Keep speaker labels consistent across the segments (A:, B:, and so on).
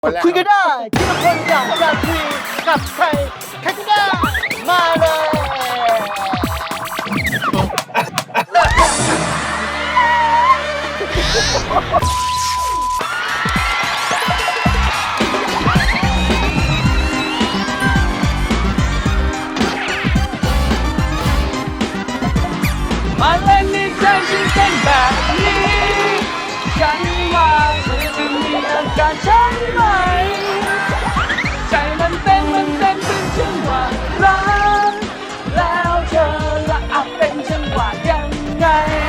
A: คุยก็ได้ที่ทุกคนอยากจะคุยกับใครใครก็ได้มาเลย
B: มาเล่นในใจฉันเป็นแบบนี้ฉันว่าเธอจะมีอาการใช่ไหมใจมันเต้นเป็นจังหวะรักแล้วเธอละอาจเป็นจังหวะยังไง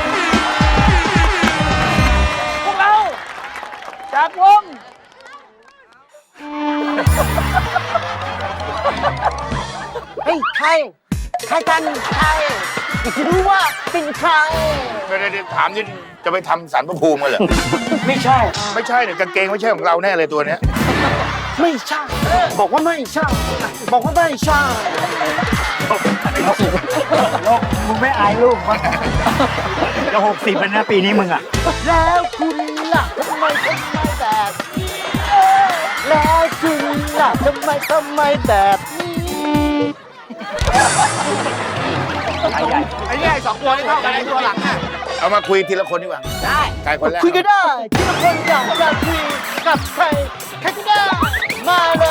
B: พวกเราจากวง
A: เฮ้ยใครกันใครอยากจะรู้ว่าเป็นใคร
C: เดี๋ยวถามนี่จะไปทำสารพระภูมิกันเหรอ
A: ไม่ใช่
C: ไม่ใช่เนี่ยกางเกงไม่ใช่ของเราแน่เลยตัวเนี้ย
A: ไม่ใช่ บอกว่าไม่ใช่ บอกว่าไม่ใช่
D: มึงไม่อายลูกมั้งจะ60แล้วนะปีนี้มึงอ่ะ
A: แล้วคุณล่ะทำไมแบบนี้แล้วคุณล่ะทำไมแบบนี้
D: ไอ้ใหญ่
C: ไอ้เนี่ยสองตัวนี่เท่ากันไอ้ตัวหลังน่ะเอามาคุยทีละคนดีกว่าได้ใครคนแรก
A: คุยก็ได้ที่ทุกคนอยากจะคุยกับใครใครก็ได้มาเลย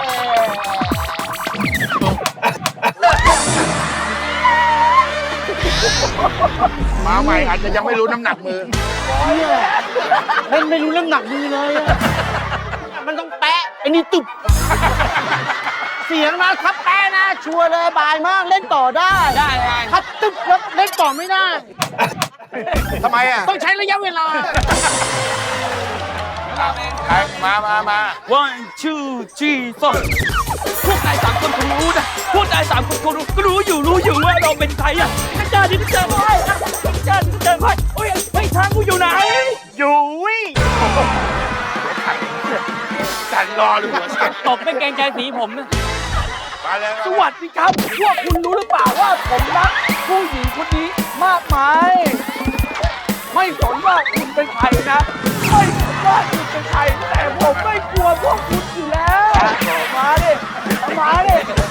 C: มาใหม่อาจจะยังไม่รู้น้ำหนักมือ
A: เนี่ยเล่นไม่รู้น้ำหนักมือเลยอะมันต้องแปะไอ้นี่ตุบเสียงนะครับแปะนะชัวร์เลยบายมากเล่นต่อได้ถ้าตึบแล้วเล่นต่อไม่ได้
C: ทำไมอ่ะ
A: ต้องใช้ระยะเวลา
C: ใครมา
B: one two three four พวกนายสามคนคงรู้นะพวกนายสามคนคงรู้ก็รู้อยู่ว่าเราเป็นใครอ่ะข้าจ้าดิข้าจ้าไพ่ข้าจ้าดิข้าจ้าไพ่โอ้ยไม่ทางกูอยู่ไหน
C: อยู่วิจันรอดูหัวเสีย
B: ตกเป็นเกรงใจสีผมนะ
C: มาเลย
B: สวัสดีครับ พวกคุณรู้หรือเปล่าว่าผมรักผู้หญิงคนนี้มากมาย ไม่สนว่าคุณเป็นใครนะ ไม่สนว่าคุณเป็นใครแต่ผมไม่กลัวพวกคุณอยู่แล้วมาดิมาดิ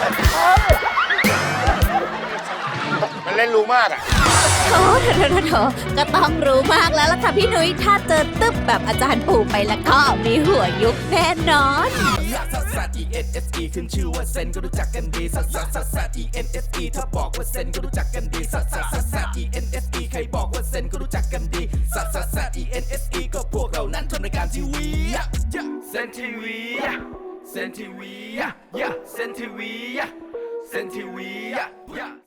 C: มันเล่นรู้มากอ่ะ
E: โอ้โถก็ต้องรู้มากแล้วล่ะค่ะพี่นุ้ยถ้าเจอตึ๊บแบบอาจารย์ปู่ไปแล้วก็มีหัวยุบแน่นอน
F: ซัสซัส E N S E ขึ้นชื่อว่าเซนก็รู้จักกันดีซัสซัสซัสซัส E N S E ถ้าบอกว่าเซนก็รู้จักกันดีซัสซัสซัสซัส E N S E ใครบอกว่าเซนก็รู้จักกันดีซัสซัสซัส E N S E ก็พวกเรานั้นทำรายการทีวีเซนทีวีเซนทีวีเซนทีวีเซนทีวี